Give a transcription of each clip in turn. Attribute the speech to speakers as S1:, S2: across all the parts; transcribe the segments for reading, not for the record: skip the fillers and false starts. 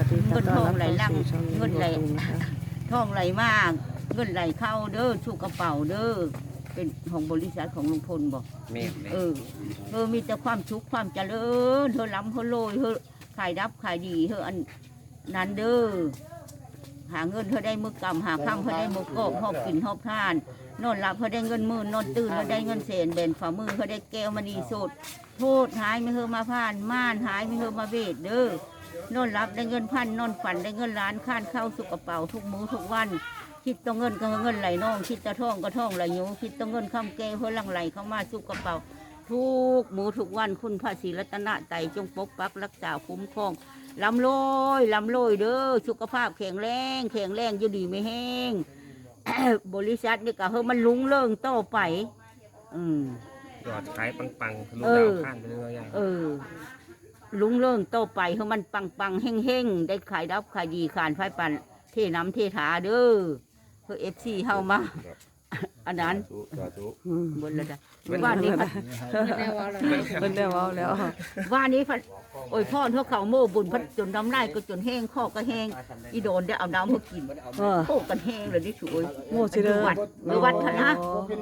S1: เงินทองไหลหลัง
S2: ช่อง
S1: เงินไหล
S2: ลุงนะคะ
S1: ทองไหลมากเงินไหลเข้าเด้อสู่กระเป๋าเด้อเป็นของบริษัทของลุงพลบอก
S3: แม่นเลย
S1: มีแต่ความสุขความเจริญเธอล้ำเธอโรยเธอขายดับขายดีเธออันนั้นเด้อหาเงินเธอได้มือกำหาข้ามเธอได้มือกอบหอบกินหอบทานนอนหลับเธอได้เงินหมื่นนอนตื่นเธอได้เงินเศษเบนฝ่ามือเธอได้แก้วมณีสดโทษหายไม่เธอมาผ่านม่านหายไม่เธอมาเวทเด้อนอนหลับได้เงินพันนอนฝันได้เงินล้านข้านเข้าสุกกระเป๋าทุกมื้อทุกวันคิดต้องเงินก็เงินไหลน้องคิดตะท่องก็ท่องไหลยูคิดต้องเงินข้ามแก้วเพื่อลังไหลเข้ามาสุกกระเป๋าทุกมื้อทุกวันคุณพระศรีรัตนไตรจงปกปักรักษาคุ้มครองลำลอยเด้อสุขภาพแข็งแรงอยู่ดีไม่แห้ง บริษัทนี่ก็เฮ้มันลุ้งเรื่องต่อไป
S3: ยอดขายปังๆทะลุดาวข้านไปเรื่อยๆ
S1: ลุงเรื่องโตไปเฮามันปังเฮงได้ขายดับขายดีขานไฟปันเทน้ำเทถาเด้อเพื่อFCเฮามาอันนั้นบนละจ้ะว่านี้พัด
S2: เพิ่นได้เว้าแล้ว
S1: ว่านี้พัดโอ้ยพ่อเท่าเขาโม่บุญพัดจนน้ำลายก็จนแห้งข้อก็แห้งอีโดนได้เอาน้ำมากินโอ้กันแห้งเลยนี่สวย
S2: โม่สิเด้อ
S1: วัดคณะ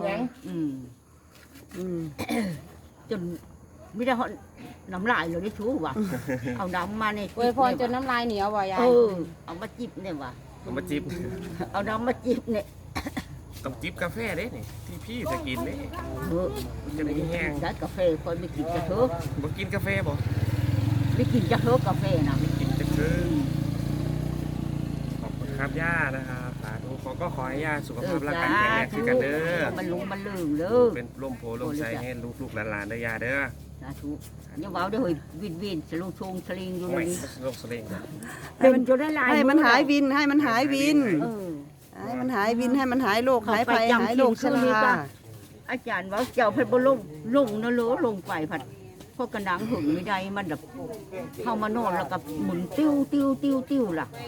S1: จนไม่ได้น้ำลายเลยนี่ชูว่ะเอาน้ำมาเนี่ย
S4: อวยพรจนน้ำลายเหนียวบ่ยาย
S1: เอามาจิบเนี่ยว่ะ
S3: ต้องมาจิบ
S1: เอาน้ำมาจิบเนี่ย
S3: ต้องจิบกาแฟเด้นี่ที่พี่จะกินเด้ มันจะมีแห้ง
S1: ได้กาแฟคนไม่กินจะเถอะ
S3: บ่กินกาแฟบ่
S1: ไม่กินจะเถอะกาแฟนะ
S3: กินจะคือขอบคุณครับย่านะครับสาธุก็ขอให้ย่าสุขภาพร่างกายแข็งแรงขึ้นกันเด้อ
S1: มันลุงมันลืมเด้อ
S3: เป็นร่มโพล่มใจให้ลูกๆหลานๆได้ย่าเด้อ
S1: สาธุอย่าว้าวเด้อเฮ้ยวินสลุงชงสลิงอยู่
S3: โอ้ย
S1: นี่
S3: โรคสลิง
S1: เป็นจนได้ลาย
S2: ให้มันหายวินให้มันหายวิน
S1: เออ
S2: ให้มันหายวินให้มันหายโรคหายภัยหายโรคชรา
S1: อาจารย์ว่าเจ้าเพิ่นบ่ลงนะโลลงไปผัดพวกกระหนังหึงไม่ได้มันแบบเข้ามานอนแล้วก็หมุนติ้วล่ะ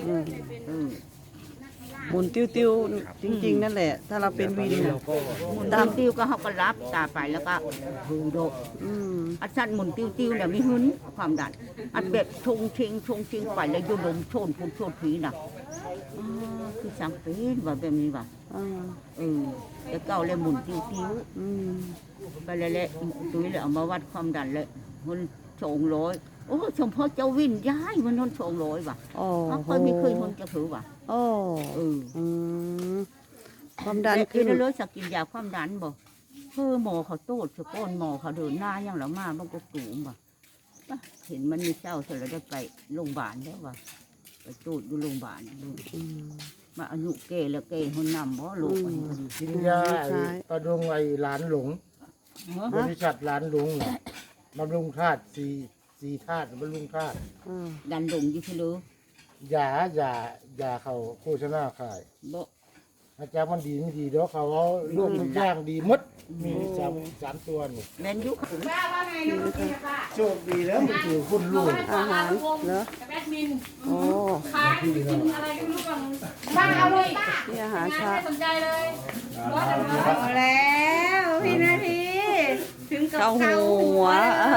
S2: หมุนติ้วๆจริงๆนั่นแหละ ถ้าเราเป็นวินน่ะ
S1: หมุนติ้วก็เขาก็รับตาไปแล้วก็หูโดก
S2: อืม
S1: อันสั้นหมุนติ้วเนี่ยมีหึนความดันอันแบบชงเชงไปแล้วโยนลมโชนพุ่นโชนผีน่ะคือสังเป็นว่าแบบนี้ว่ะ
S2: อ่า
S1: แล้วก็เอาเลยหมุนติ้ว
S2: อืม
S1: ไปเลยแหละตุ้ยเลยเอามาวัดความดันเลยมัน200โอ้สมพ่อเจ้าวินย้ายมันนน200ว่ะ
S2: อ๋อ
S1: เขาเคยมีเคยคนจะถือว่ะ
S2: โอ้ อืมความดัน
S1: ขึ้
S2: ขึ้
S1: น
S2: น
S1: เลยสักกินยาความดันบ่หมอเขาโตดสะก้นหมอเขาเดินหน้ายังแล้วมามันก็ตูมบ่เห็นมันมีเจ้าเสร็จแล้วได้ไปโรงพยาบาลแล้วว่ะไปตูดอยู่โรงพยาบาลมาอายุเกแล้วเกคนนำบ่ลูกมันพอดี
S5: กินยาประดุงไอ้หลานหลงบริษัทหลานหลงน่ะบำรุงธาตุสี่ธาตุบำรุงธาตุ
S1: ดันลงอยู่พี่ลูก
S5: ยาเขาโฆษณาขาย
S1: บ่
S5: อาจารย์มันดีไม่ดีเดี๋ยวเขาเอาลูกทุกอย่างดีหมดมีสามตัวนี่
S1: แม่นยุค
S5: โชคดีแล้วมันคือคุณลูก
S2: อาหารเหรอ
S4: แบดมิน
S2: โอ้
S4: ขายกินอะไรก็ไม่รู้ก่อนบ้าเอาเลยป้า
S2: นี่อาหาร
S4: ไม่
S2: เช้า
S4: สนใจเลย
S6: เอาแล้วพี่นาทีถึงกับ
S2: เกาหัว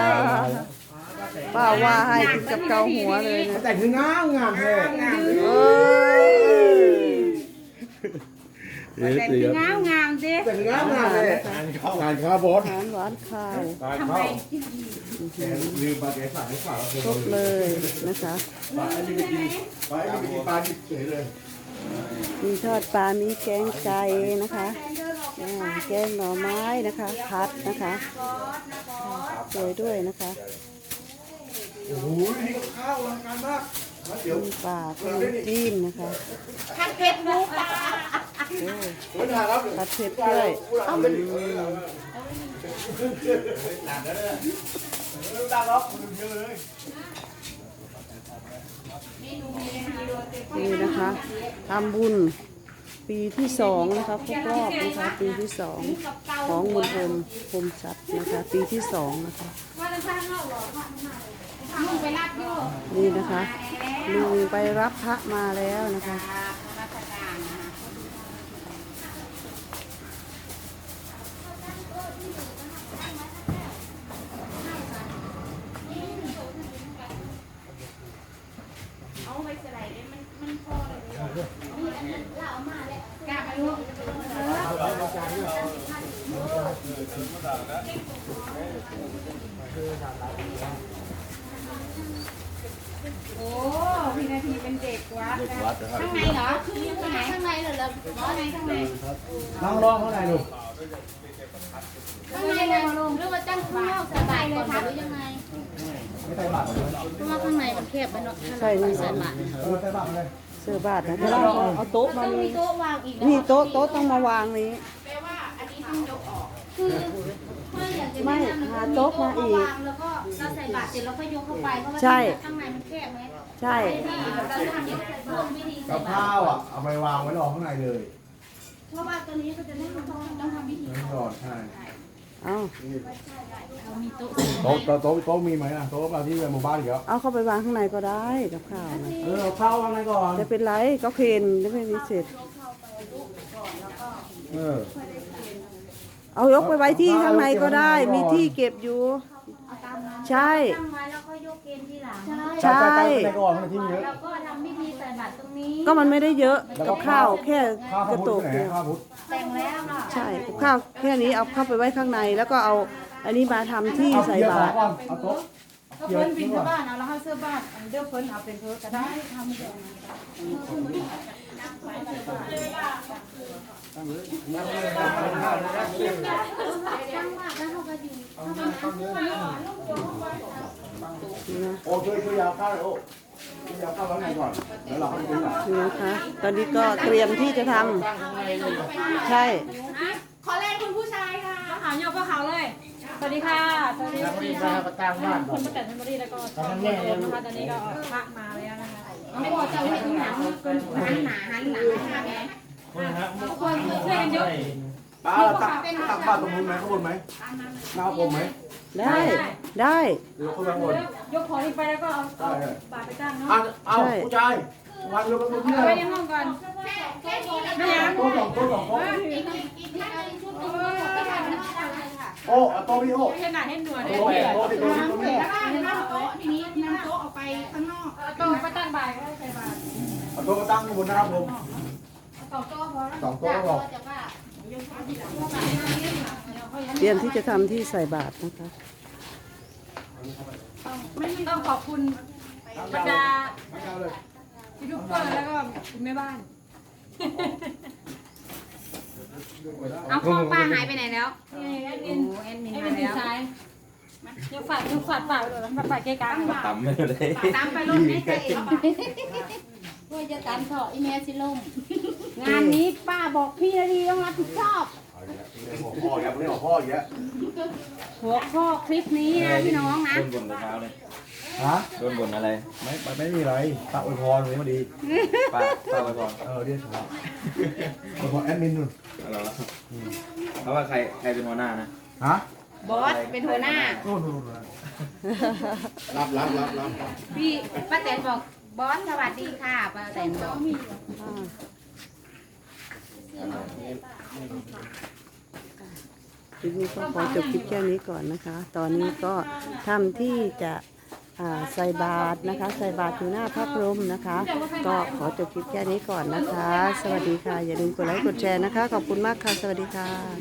S2: ป้าว่าให้ถึงกับเกาหัวเลยนะ
S5: แต่คืองามแท้
S2: เอ้ย
S6: แต่งที่งามงามดิ
S5: แต่คืองามเลยงานข้าวบด
S2: อาหารหวานข้าว
S5: งานข้าวลืมปลาแกสายฝา
S2: ครบเลยนะคะ
S5: ปลาอันนี้ไปกินปลาอันนี้ไปกินปลาดิบเฉยเลย
S2: มีทอดปลา มีแกงไก่นะคะแกงหน่อไม้นะคะผัดนะคะสวยด้วยนะคะ
S5: โอ้โหนี่ก็ข้าวอลังการมากเดี๋ยว
S2: มีปลาขนมจีนนะคะ
S4: ผัดเผ็ดหมูปลา
S5: เวลาครับ
S2: ผัดเผ็ดด้วย นี่นะคะทำบุญปีที่2นะคะครบรอบนะคะปีที่2ของมณฑลพรมทรัพย์นะคะปีที่2นะคะ
S4: ว่าจะสร้างเข้าหรอลุงไปรับอยู่
S2: นี่นะคะลุงไปรับพระมาแล้วนะคะ
S4: ราชการนะ
S6: เอาไป
S4: กล้าไปลูกโอ้พี่นาทีเป็นเด็กวัดนะข้างในเหรอข้างในข้างในเหรอข้างในข้างใน
S5: น้องร้องเท่าไหร่ลูก
S4: ข้างในเลยลงหรือว่าตั้งข้างนอกสบายเลยครับหรือยังไง
S5: ไม่ใช่บาทเลย
S4: เพราะว่าข้างในมันแคบไปเนาะ
S2: ใช่นี่
S4: ใส่บาตร
S5: ใช่บาทเลย
S2: เสื้อบาทนะเอาโต๊ะมา
S4: ต้องมี
S2: นี่
S4: โต๊ะวางอีก
S2: นี่โต๊ะต้องมาวางนี้
S4: คือไม่อยากจะ
S2: ไม่
S4: แนะนำ
S2: หาโต๊ะมาอีก
S4: วางแล้วก็เราใส่บาตรเสร็จแล้วก็ยกเข้าไปเพราะว่า
S2: ใช่
S4: ข้างในมันแคบไหม
S2: ใช่
S4: เราทำร่วมวิธีใส่
S5: กับบ
S4: า
S5: ข้า
S4: ตร
S5: วอ่ะเอาไปวางไว้รอข้างในเลย
S4: เพราะว่าตัวนี้ก็จะต้องทำพิธี
S5: นั่นก่อนใช่
S2: เอา
S4: เรามีโต๊ะ
S5: โต๊ะมีไหมอ่ะโต๊ะมาที่หมู่บ้านอีกแล้ว
S2: เอาเข้าไปวางข้างในก็ได้กับข้าวนะ
S5: เอาข้าววางไว้ก่อน
S2: จะเป็นไรก็เคนจะไม่มีเสร็จ เอายกไปไว้ที่ข้างในก็ได้ มีที่เก็บอยู่ ใช่
S4: ตั้งไว้แล้วก็ยกเกณฑ์ที่หลัง
S2: ใช่
S5: ข้างในก่อนข้างในที่เยอะ
S4: แล้วก็ทำพิธีใส่บาตรตรงนี้
S2: ก็มันไม่ได้เยอะกับข้าวแค่
S5: ข้าว
S2: กระ
S5: พุท
S2: ตุ
S5: ธ
S2: ก
S5: ไหน
S2: เดียว
S5: ข้าวพุทธ
S4: แต่งแล้วเนาะ
S2: ใช่กับข้าวแค่นี้เอาเข้าไปไว้ข้างในแล้วก็เอาอันนี้มาทำที่ใส่บาตร
S5: เอาโต๊ะ
S6: ก็เพิ่นบินเข้าบ้านเอาแล้วเขาเสื้อบ้านอันเดียวเพิ่นเอาเป็นเพิ่นก็ได้ทำเดี๋ยว
S4: ตั้งว่าแล้วเขาก็อยู่
S5: โอ้ช่วยยาวข้าวเลยโอ้ช่วยยาวข้าวไว้ข้างในก่อนแล้วเราเข้าไปดูหน่อย
S2: นี่นะคะ ตอนนี้ก็เตรียมที่จะทำใช่
S6: ขอแรงคุณผู้ชายค่ะขาวโยกก็ขาวเลย สวัสดีค่ะ สวัสดี
S5: แล้วก็ดีมาประตั้งบ้านก่อน
S6: คุณป้าแตนเทมเบอรี่แล้วก็
S5: ตอนนั้นแม่ยัง
S6: นะคะตอนนี้ก็พระมาแล้วนะคะ
S4: ไม่พอจะเห็นหนังหันหนาหันหลังนะคะแม่ทุกคนช่วยกันยก
S5: ป้าเราตักบ้านตรงนู้นไหมข้างบนไหมหน้าผมไหม
S2: ได้ได้
S5: หรือข้างบน
S6: ยกของนี้ไปแล้วก็เอาบาตรไปตั้งเนาะ
S5: เอาผู้ชายวันเราเป็นผู้ชา
S6: เอา
S5: ย
S6: ไว้ในห้องก่อนไม่ยัง
S5: โต๊ะสองโต๊ะสองโต๊ะ
S4: อีกชุดนึงก็ทำไม่ได้เลยค่ะ
S5: โอ้โต๊ะพี่โอ้
S6: ให้หนาให้หนวดให้
S5: โต๊ะโต๊ะที่โต๊ะที่โต๊ะที่
S4: แล้วก็นั่งโต๊ะทีนี้นั่งโต๊ะออกไปข้างนอก
S6: โต๊ะไปตั้งบ่ายก็ได้ใส่บาตร
S5: เอาโต๊ะมาตั้งบนนะครับผม
S4: ต่อโต๊ะพอแล้ว
S5: สองโต๊ะก็พอ
S4: จะว่า
S2: เตรียมที่จะทำที่ใส่บาตรนะคะ
S6: ต้องขอบคุณบรรดายูทูบเบอร์แล้วก็คุณแม่บ้าน
S4: เอาของป้าหายไปไหนแล้ว
S6: นี่แอดมิน
S4: แอดมิน
S6: แอด
S4: มา
S6: มิน
S4: แล้ว
S6: ซ้ายยังฝาดปากไปเลยฝาดปากเกะกะ
S3: ต่ำไม่เลย
S4: ตามไปรถไม่ใจเพื่อจะตามเถาะอีเมลสิล่มงานนี้ป้าบอกพี่นาทีต้องรับผิดชอบ
S5: หัวพ่ออย่างเรื่องหัวพ่ออย่างเงี้ย
S4: หัวข้อคลิปนี้นะพี่น้องนะ
S3: โดนบ่นแต่เช้าเลย
S5: ฮะ
S3: โดนบ่นอะไร
S5: ไม่มีอะไรตะอวยพรวันนี้มาดี
S3: ป้าไปก่อน
S5: เรียกครับอวยพรแอดมินนู่น
S3: เหรอเพราะว่าใครเป็นหัวหน้านะ
S5: ฮะ
S4: บอสเป็นหัวหน้า
S5: โน่นรับ
S4: พี่ป้าแตนบอกบอสสวัสดีค่ะป้าแตนบอก
S2: ทีนี้ก็ขอจบคลิปแค่นี้ก่อนนะคะ ตอนนี้ก็ทำที่จะใส่บาตรนะคะ ใส่บาตรอยู่หน้าพระพรหมนะคะ ก็ขอจบคลิปแค่นี้ก่อนนะคะ สวัสดีค่ะ อย่าลืมกดไลค์กดแชร์นะคะ ขอบคุณมากค่ะ สวัสดีค่ะ